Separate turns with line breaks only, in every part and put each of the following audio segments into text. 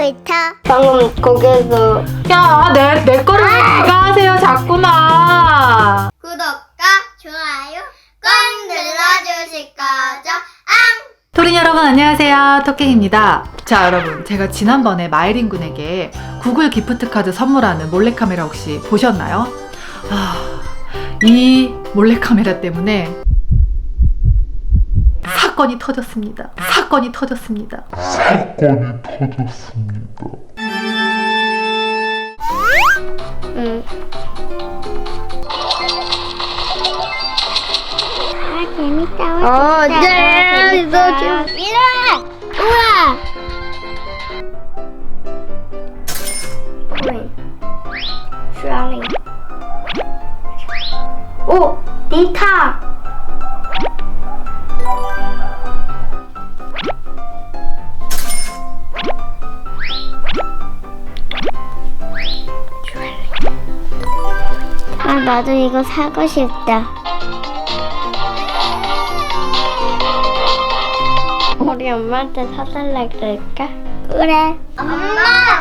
놀이터.
방금 거기서
야, 내 거를 왜 네가 하세요, 자꾸나.
구독과 좋아요 꼭 눌러주실 거죠?
토린 여러분 안녕하세요, 토깽입니다. 자, 여러분, 제가 지난번에 마이린 군에게 구글 기프트카드 선물하는 몰래카메라 혹시 보셨나요? 이 몰래카메라 때문에 사건이 터졌습니다.
재밌다. 네, 이거 좀 이래. 우와. 코인. 슈아링. 오, 니타. 아, 나도 이거 사고 싶다. 우리 엄마한테 사달라 그럴까? 그래. 엄마!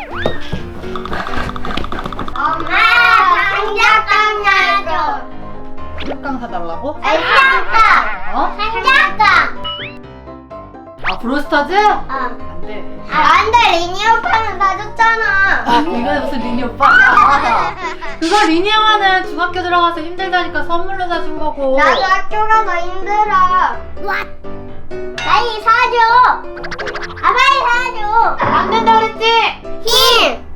장작감 나줘.
흑강 사달라고?
장작감!
어?
장작감!
아, 브로스터즈?
어.
안 돼.
안 돼, 리니 오빠는 사줬잖아.
아, 이거 무슨 리니 오빠? 아, 그거 리니 형아는 중학교 들어가서 힘들다니까 선물로 사준 거고.
나도 학교 가서 힘들어. 빨리 사줘. 아, 빨리 사줘.
안 된다 그랬지?
힘!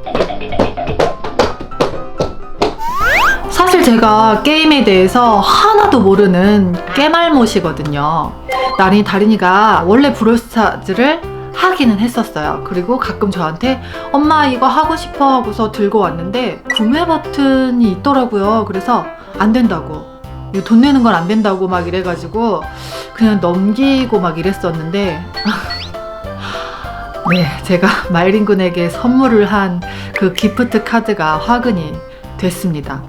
사실 제가 게임에 대해서 하나도 모르는 깨말못이거든요. 다린이가 원래 브롤스타즈를 하기는 했었어요. 그리고 가끔 저한테 엄마 이거 하고 싶어 하고서 들고 왔는데 구매 버튼이 있더라고요. 그래서 안 된다고, 이거 돈 내는 건 안 된다고 막 이래가지고 그냥 넘기고 막 이랬었는데 네, 제가 마이린 군에게 선물을 한 그 기프트 카드가 화근이 됐습니다.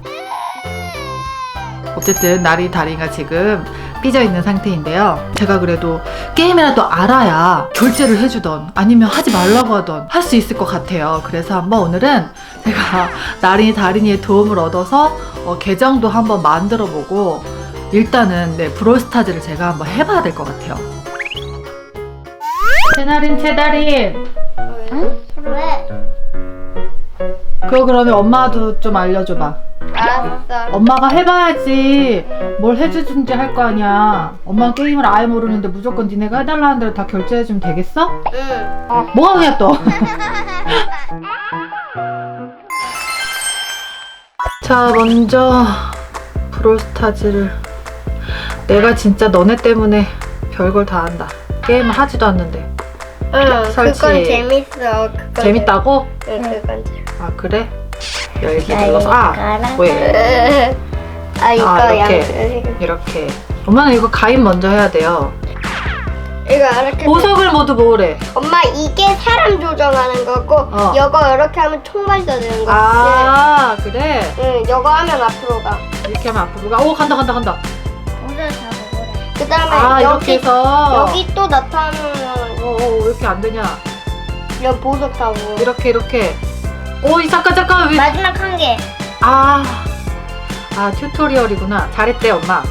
어쨌든 다린이가 지금 삐져있는 상태인데요. 제가 그래도 게임이라도 알아야 결제를 해주던 아니면 하지 말라고 하던 할 수 있을 것 같아요. 그래서 한번 오늘은 제가 다린이의 도움을 얻어서 계정도 한번 만들어보고 일단은 브롤스타즈를 제가 한번 해봐야 될 것 같아요. 채다린
응? 왜?
그거 그러면 엄마도 좀 알려줘봐.
알았어.
엄마가 해봐야지 뭘 해주든지 할 거 아니야. 엄마는 게임을 아예 모르는데 무조건 니네가 해달라는 대로 다 결제해주면 되겠어?
응.
뭐가 그냥 또. 자, 먼저 브롤스타즈를 내가 진짜 너네 때문에 별걸 다 한다. 게임을 하지도 않는데.
응,
설치.
그건 재밌어. 그건
재밌다고?
응, 그건 재밌어.
아, 그래? 열기 눌러서 왜?
아, 이거
이렇게 엄마는 이거 가입 먼저 해야 돼요.
이거 이렇게.
보석을 모두 모으래.
엄마, 이게 사람 조정하는 거고, 이거 이렇게 하면 총 발사되는 거.
아, 그래?
응, 이거 하면 앞으로 가.
이렇게 하면 앞으로 가. 오, 간다.
그 다음에
아, 이렇게 해서.
여기 또 나타나면
왜 이렇게 안 되냐?
이런 보석 타고.
이렇게. 오, 잠깐. 왜?
마지막 한 개.
튜토리얼이구나. 잘했대, 엄마.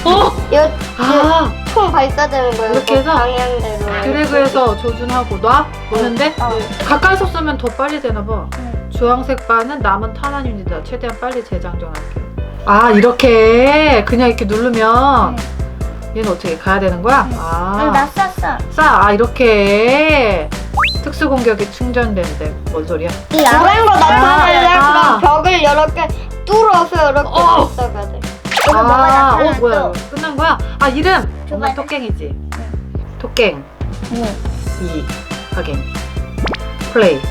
총 발사되는 거예요.
이렇게 해서?
방향대로.
드래그해서 조준하고 놔? 보는데?
어.
가까이서 쓰면 더 빨리 되나봐. 주황색 바는 남은 탄환 유닛이다. 최대한 빨리 재장전할게. 이렇게 그냥 이렇게 누르면 얘는 어떻게 가야 되는 거야?
나 쐈어.
이렇게 특수 공격이 충전되는데 뭔 소리야?
이 노란 거 나타나려면
아.
벽을 이렇게 뚫어서 이렇게 발사가 돼.
뭐야? 끝난 거야? 이름 엄마
줘봐.
토깽이지? 토깽.
응.
2 확인. 플레이.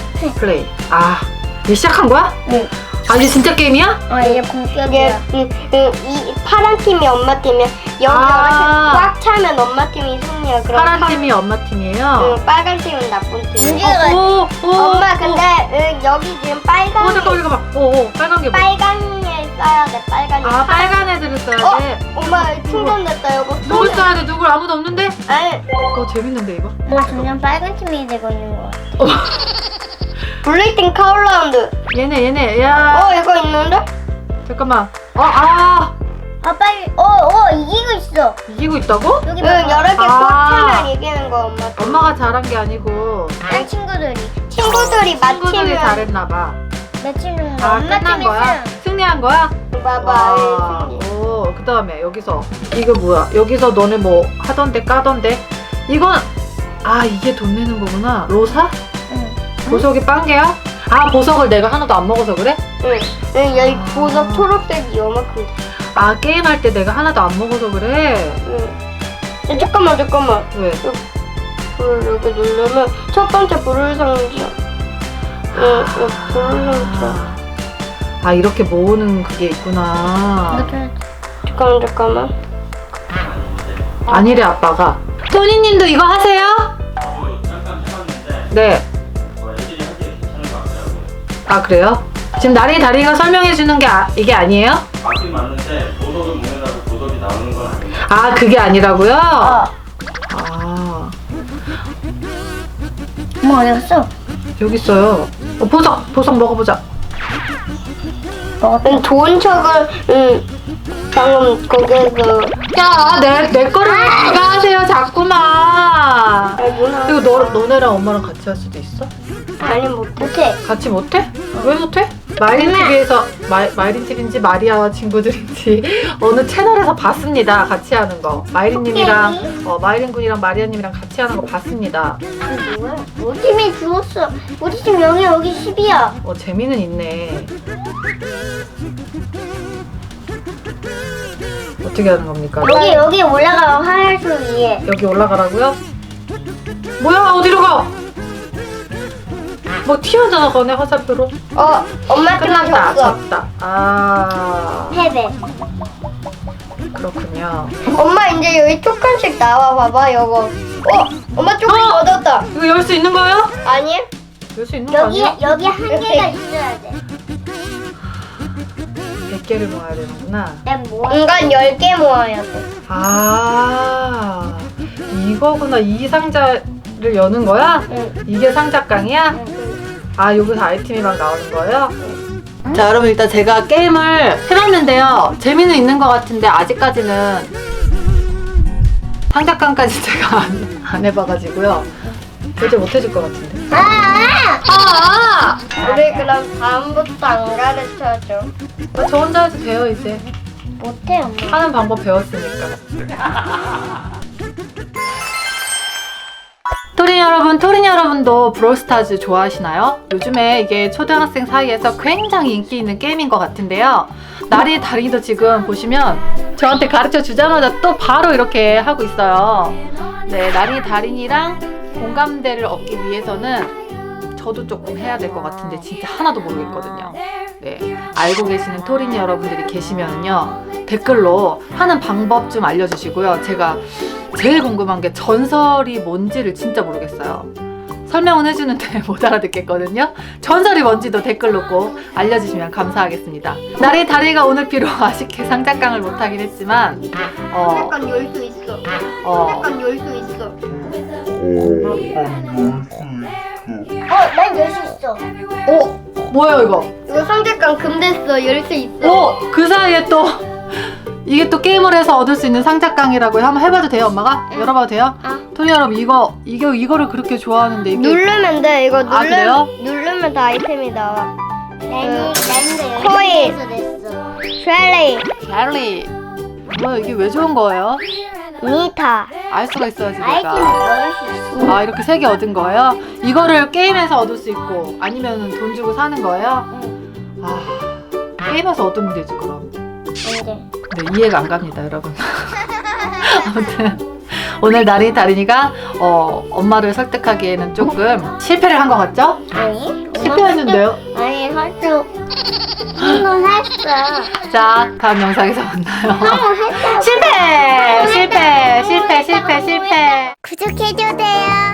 이제 시작한 거야?
응.
이제 진짜 게임이야?
이게 본격이야. 이 파란 팀이 엄마 팀이야. 여기 이렇게 꽉 차면 엄마 팀이 승리야. 그럼
파란 팀이 엄마 팀이에요.
빨간 팀은 나쁜 팀.
오,
엄마 근데 여기 지금 빨간
잠깐만. 빨간 게 뭐야?
빨강에 써야 돼. 빨간이.
아, 빨간 애들을 써야 돼.
엄마 충전됐다. 이거
누굴 써야 돼? 누굴 아무도 없는데?
아니
재밌는데 이거?
뭐 점점 빨간 팀이 되고 있는 거 같아.
블레이팅 카울라운드.
얘네 야.
이거 있는데?
잠깐만.
아 빨리. 이기고 있어.
이기고 있다고?
여기
여러 개
봐봐.
꽉 차면 이기는 거 엄마.
엄마가 잘한 게 아니고
내 친구들이
친구들이
친구들이
맞히면
잘했나 봐.
내 친구들
아,
엄마
끝난 거야?
팀에서
승리한 거야?
봐봐.
오, 그다음에 여기서 이거 뭐야? 여기서 너네 뭐 하던데 까던데? 이건 이게 돈 내는 거구나. 로사?
응.
보석이 빵개야? 아, 보석을 내가 하나도 안 먹어서 그래?
응. 여기 보석 초록색이 요만큼.
아, 게임할 때 내가 하나도 안 먹어서 그래?
응. 야, 잠깐만.
왜?
불을 이렇게 누르면 첫 번째 불을 상자. 불을 상자.
아, 이렇게 모으는 그게 있구나.
잠깐만.
아니래, 아빠가. 토니님도 이거 하세요?
잠깐 해봤는데
네.
애들이 하기에 괜찮은 것 같더라고요.
아, 그래요? 지금 나리 다리가 설명해 주는 게 이게 아니에요?
맞긴 맞는데 보석을 모으다고 보석이 나오는 건 아니에요.
아, 그게 아니라고요? 아,
엄마 어디 갔어?
여기 있어요. 보석 먹어보자.
좋은 척을 방금 거기에서
야, 내 거를 누가 하세요, 자꾸만.
누나
이거 너네랑 엄마랑 같이 할 수도 있어?
아니 못해.
같이 못해? 왜 못해? 마이린 TV에서 마이린 TV인지 마리아와 친구들인지 어느 채널에서 봤습니다. 같이 하는 거. 마이린님이랑 마이린 군이랑 마리아님이랑 같이 하는 거 봤습니다.
뭐야? 우리 팀이 죽었어. 우리 팀 0이 여기 10이야.
재미는 있네. 어떻게 하는 겁니까?
여기 올라가 하얀색 위에.
여기 올라가라고요? 뭐야, 어디로 가? 뭐 튀어나가네, 화살표로.
엄마 팀
끝났다,
졌어.
졌다. 아,
패배.
그렇군요.
엄마 이제 여기 조금씩 나와 봐봐 이거. 엄마 조금 얻었다.
이거 열 수 있는 거예요?
아니?
열 수 있는 거 아니야?
여기 한 개가 있어야 돼.
100개를 모아야 되는구나.
난 뭐야?
인간 10개 모아야 돼.
아, 이거구나. 이 상자를 여는 거야?
응.
이게 상자깡이야? 아, 여기서 아이템이 막 나오는 거예요? 자, 여러분 일단 제가 게임을 해봤는데요. 재미는 있는 것 같은데 아직까지는 상자깡까지 제가 안 해봐가지고요. 도저히 못 해줄 것 같은데.
우리 그럼 다음부터 안 가르쳐줘.
저 혼자 해도 돼요, 이제.
못해 엄마.
하는 방법 배웠으니까. 토린 여러분도 브롤스타즈 좋아하시나요? 요즘에 이게 초등학생 사이에서 굉장히 인기 있는 게임인 것 같은데요. 나리 다리도 지금 보시면 저한테 가르쳐 주자마자 또 바로 이렇게 하고 있어요. 네, 나리 다린이랑 공감대를 얻기 위해서는 저도 조금 해야 될 것 같은데 진짜 하나도 모르겠거든요. 네, 알고 계시는 토린 여러분들이 계시면요 댓글로 하는 방법 좀 알려주시고요. 제가 제일 궁금한 게 전설이 뭔지를 진짜 모르겠어요. 설명은 해주는데 못 알아듣겠거든요. 전설이 뭔지도 댓글로 꼭 알려주시면 감사하겠습니다. 나리 다리가 오늘 비록 아쉽게 상자깡을 못하긴 했지만
약간 열 수 있어. 약간 열 수 있어.
난 열 수 있어.
뭐야 이거?
이거 상자깡 금됐어. 열 수 있어.
그 사이에 또 이게 또 게임을 해서 얻을 수 있는 상자깡이라고요. 한번 해봐도 돼요, 엄마가? 열어봐도 돼요? 토니 여러분 이거를 그렇게 좋아하는데 이게
누르면 돼. 이거
그래요?
누르면 다 아이템이 나와.
나는
코인.
열심히 됐어.
쉘리,
젤리. 뭐야 이게 왜 좋은 거예요?
니타.
알 수가 있어야지
아이템을
내가.
넣을 수 있어.
아, 이렇게 3개 얻은 거예요? 이거를 게임에서 얻을 수 있고 아니면 돈 주고 사는 거예요? 아, 게임에서 얻으면 되지 그럼.
안 돼.
네, 이해가 안 갑니다, 여러분. 아무튼 오늘 나리 다린이가 엄마를 설득하기에는 조금 실패를 한 것 같죠?
아니?
실패했는데요?
아니 할수 한번 했어.
자, 다음 영상에서 만나요.
한번 했어.
실패!
구독해주세요.